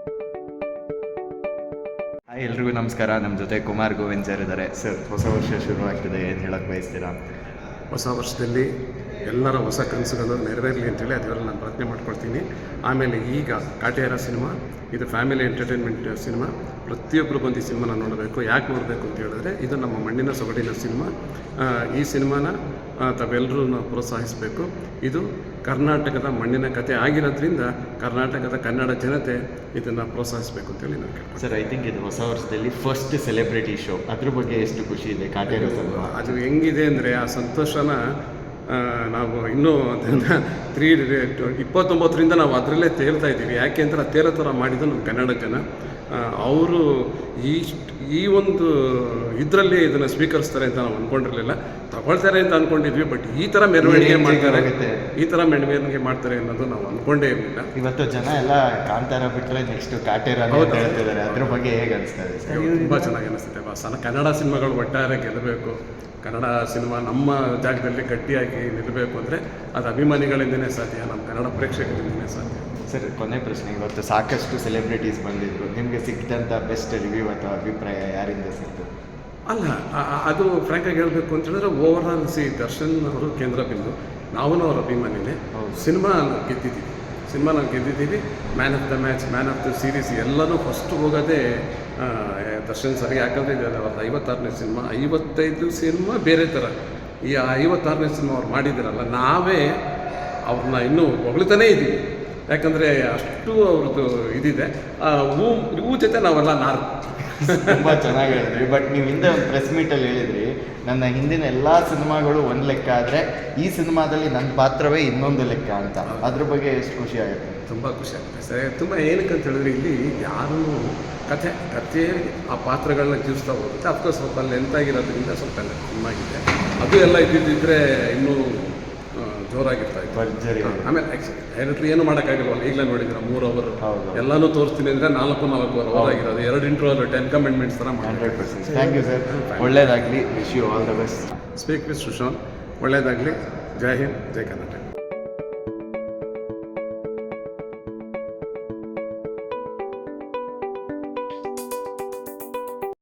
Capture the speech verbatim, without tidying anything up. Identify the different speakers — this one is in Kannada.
Speaker 1: ಹಾಯ್ ಎಲ್ರಿಗೂ ನಮಸ್ಕಾರ. ನಮ್ಮ ಜೊತೆ ಕುಮಾರ್ ಗೋವಿಂದ್ ಸರ್ ಇದ್ದಾರೆ. ಸರ್, ಹೊಸ ವರ್ಷ ಶುರುವಾಗ್ತಿದೆ, ಏನು ಹೇಳಕ್ಕೆ ಬಯಸ್ತೀರಾ?
Speaker 2: ಹೊಸ ವರ್ಷದಲ್ಲಿ ಎಲ್ಲರ ಹೊಸ ಕನಸುಗಳು ನೆರವೇರಲಿ ಅಂತೇಳಿ ಅದರಲ್ಲಿ ನಾನು ಪ್ರಾರ್ಥನೆ ಮಾಡ್ಕೊಳ್ತೀನಿ. ಆಮೇಲೆ ಈಗ ಕಾಟೇರ ಸಿನಿಮಾ ಇದು ಫ್ಯಾಮಿಲಿ ಎಂಟರ್ಟೈನ್ಮೆಂಟ್ ಸಿನಿಮಾ. ಪ್ರತಿಯೊಬ್ಬರು ಬಂದು ಈ ಸಿನಿಮಾನ ನೋಡಬೇಕು. ಯಾಕೆ ನೋಡಬೇಕು ಅಂತ ಹೇಳಿದ್ರೆ ಇದು ನಮ್ಮ ಮಣ್ಣಿನ ಸೊಗಡಿನ ಸಿನಿಮಾ. ಈ ಸಿನಿಮಾನ ತಾವೆಲ್ಲರೂ ಪ್ರೋತ್ಸಾಹಿಸಬೇಕು. ಇದು ಕರ್ನಾಟಕದ ಮಣ್ಣಿನ ಕತೆ ಆಗಿರೋದ್ರಿಂದ ಕರ್ನಾಟಕದ ಕನ್ನಡ ಜನತೆ ಇದನ್ನು ಪ್ರೋತ್ಸಾಹಿಸಬೇಕು ಅಂತೇಳಿ ನಾನು ಕೇಳ್ತೀನಿ.
Speaker 1: ಸರ್, ಐ ಥಿಂಕ್ ಇದು ಹೊಸ ವರ್ಷದಲ್ಲಿ ಫಸ್ಟ್ ಸೆಲೆಬ್ರಿಟಿ ಶೋ, ಅದ್ರ ಬಗ್ಗೆ ಎಷ್ಟು ಖುಷಿ ಇದೆ ಕಾಟೇರ ಸಿನಿಮಾ?
Speaker 2: ಅದು ಹೆಂಗಿದೆ ಅಂದರೆ ಆ ಸಂತೋಷನ ನಾವು ಇನ್ನೂ ಅದನ್ನು ತ್ರೀ ಇಪ್ಪತ್ತೊಂಬತ್ತರಿಂದ ನಾವು ಅದರಲ್ಲೇ ತೇಲ್ತಾ ಇದ್ದೀವಿ. ಯಾಕೆ ಅಂದರೆ ಆ ತೇರೋ ಥರ ಮಾಡಿದ್ದು ನಮ್ಮ ಕನ್ನಡ ಜನ. ಅವರು ಈ ಈ ಒಂದು ಇದರಲ್ಲಿ ಇದನ್ನು ಸ್ವೀಕರಿಸ್ತಾರೆ ಅಂತ ನಾವು ಅಂದ್ಕೊಂಡಿರಲಿಲ್ಲ. ತಗೊಳ್ತಾರೆ ಅಂತ ಅಂದ್ಕೊಂಡಿದ್ವಿ, ಬಟ್ ಈ ಥರ ಮೆರವಣಿಗೆ ಮಾಡ್ತಾರೆ ಈ ಥರ ಮೆರವಣಿಗೆ ಮಾಡ್ತಾರೆ ಅನ್ನೋದು ನಾವು ಅಂದ್ಕೊಂಡೇ ಇರಲಿಲ್ಲ.
Speaker 1: ಇವತ್ತು ಜನ ಎಲ್ಲ ಕಾಂತಾರ ಬಿಟ್ಟರೆ ನೆಕ್ಸ್ಟ್ ಕಾಟೇರ ಅಂತ ಹೇಳ್ತಿದ್ದಾರೆ. ಅದ್ರ ಬಗ್ಗೆ ಹೇಗೆ ಅನಿಸ್ತಾ ಇದೆ?
Speaker 2: ತುಂಬ ಚೆನ್ನಾಗಿ ಅನಿಸುತ್ತೆ ಬಾಸ್. ಕನ್ನಡ ಸಿನಿಮಾಗಳು ಒಟ್ಟಾರೆ ಗೆಲ್ಲಬೇಕು, ಕನ್ನಡ ಸಿನಿಮಾ ನಮ್ಮ ಜಾಗದಲ್ಲಿ ಗಟ್ಟಿಯಾಗಿ ನಿಲ್ಲಬೇಕು ಅಂದರೆ ಅದು ಅಭಿಮಾನಿಗಳಿಂದನೇ ಸಾಧ್ಯ, ನಮ್ಮ ಕನ್ನಡ ಪ್ರೇಕ್ಷಕರಿಂದನೇ ಸಾಧ್ಯ.
Speaker 1: ಸರ್, ಕೊನೆ ಪ್ರಶ್ನೆ. ಇವತ್ತು ಸಾಕಷ್ಟು ಸೆಲೆಬ್ರಿಟೀಸ್ ಬಂದಿದ್ರು. ನಿಮಗೆ ಸಿಕ್ಕಿದಂಥ ಬೆಸ್ಟ್ ರಿವ್ಯೂ ಅಥವಾ ಅಭಿಪ್ರಾಯ ಯಾರಿಂದ ಸಿಕ್ತು?
Speaker 2: ಅಲ್ಲ, ಅದು ಫ್ರ್ಯಾಂಕಾಗಿ ಹೇಳಬೇಕು ಅಂತ ಹೇಳಿದ್ರೆ ಓವರ್ ಆಲ್ ಸಿ ದರ್ಶನ್ ಅವರು ಕೇಂದ್ರ ಬಿಂದು, ನಾವೂ ಅವ್ರ ಅಭಿಮಾನಿನೇ. ಸಿನಿಮಾ ಗೆದ್ದಿದ್ದೀವಿ ಸಿನಿಮಾ ನಾವು ಗೆದ್ದಿದ್ದೀವಿ man of the match, man of the series ಎಲ್ಲನೂ ಫಸ್ಟ್ ಹೋಗೋದೇ ದರ್ಶನ್ ಸರಿ. ಯಾಕಂದರೆ ಇದು ಅವ್ರದ್ದು ಐವತ್ತಾರನೇ ಸಿನಿಮಾ. ಐವತ್ತೈದು ಸಿನಿಮಾ ಬೇರೆ ಥರ, ಈ ಐವತ್ತಾರನೇ ಸಿನಿಮಾ ಅವ್ರು ಮಾಡಿದ್ದೀರಲ್ಲ, ನಾವೇ ಅವ್ರನ್ನ ಇನ್ನೂ ಹೊಗಳ್ತಾನೇ ಇದ್ದೀವಿ. ಯಾಕಂದರೆ ಅಷ್ಟು ಅವ್ರದ್ದು ಇದಿದೆ. ಹೂ ಹೂ ಜೊತೆ ನಾವೆಲ್ಲ ನಾರು
Speaker 1: ತುಂಬ ಚೆನ್ನಾಗಿ ಹೇಳಿದ್ರಿ. ಬಟ್ ನೀವು ಹಿಂದೆ ಒಂದು ಪ್ರೆಸ್ ಮೀಟಲ್ಲಿ ಹೇಳಿದ್ರಿ, ನನ್ನ ಹಿಂದಿನ ಎಲ್ಲ ಸಿನಿಮಾಗಳು ಒಂದು ಲೆಕ್ಕ ಆದರೆ ಈ ಸಿನಿಮಾದಲ್ಲಿ ನನ್ನ ಪಾತ್ರವೇ ಇನ್ನೊಂದು ಲೆಕ್ಕ ಅಂತ. ಅದ್ರ ಬಗ್ಗೆ ಎಷ್ಟು ಖುಷಿ ಆಗುತ್ತೆ?
Speaker 2: ತುಂಬ ಖುಷಿ ಆಗುತ್ತೆ ಸರ್. ತುಂಬ ಏನಕ್ಕೆ ಅಂತ ಹೇಳಿದ್ರೆ ಇಲ್ಲಿ ಯಾರೂ ಕಥೆ ಕಥೆ ಆ ಪಾತ್ರಗಳನ್ನ ಜೀವಿಸ್ತಾ ಹೋಗುತ್ತೆ. ಅಫ್ಕೋರ್ಸ್ ಸ್ವಲ್ಪ ಲೆಂತಾಗಿರೋದ್ರಿಂದ ಸ್ವಲ್ಪ ಚೆನ್ನಾಗಿದೆ. ಅದು ಎಲ್ಲ ಇದ್ದಿದ್ದಿದ್ರೆ ಇನ್ನೂ ಜೋರಾಗಿರ್ತಾ ಇತ್ತು.
Speaker 1: ಭರ್ಜರಿ.
Speaker 2: ಆಮೇಲೆ ಡೈರೆಕ್ಟ್ರ್ ಏನು ಮಾಡೋಕ್ಕಾಗಲ್ವಲ್ಲ. ಈಗಲೇ ನೋಡಿದ್ರೆ ಮೂರು ಅವರು
Speaker 1: ಹೌದು,
Speaker 2: ಎಲ್ಲನೂ ತೋರಿಸ್ತೀನಿ ಅಂದರೆ ನಾಲ್ಕು ನಾಲ್ಕು ಅವರ್ ಆಗಿರೋದು. ಎರಡು ಇಂಟ್ರೋ ಟೆನ್ ಕಮೆಂಟ್ಮೆಂಟ್ಸ್ ಥರ ಮಾಡಿ.
Speaker 1: Hundred percent thank you sir. ಒಳ್ಳೇದಾಗಲಿ. Wish you all the best.
Speaker 2: Speak with Sushant. ಒಳ್ಳೇದಾಗಲಿ. ಜೈ ಹಿಂದ್, ಜೈ ಕರ್ನಾಟಕ.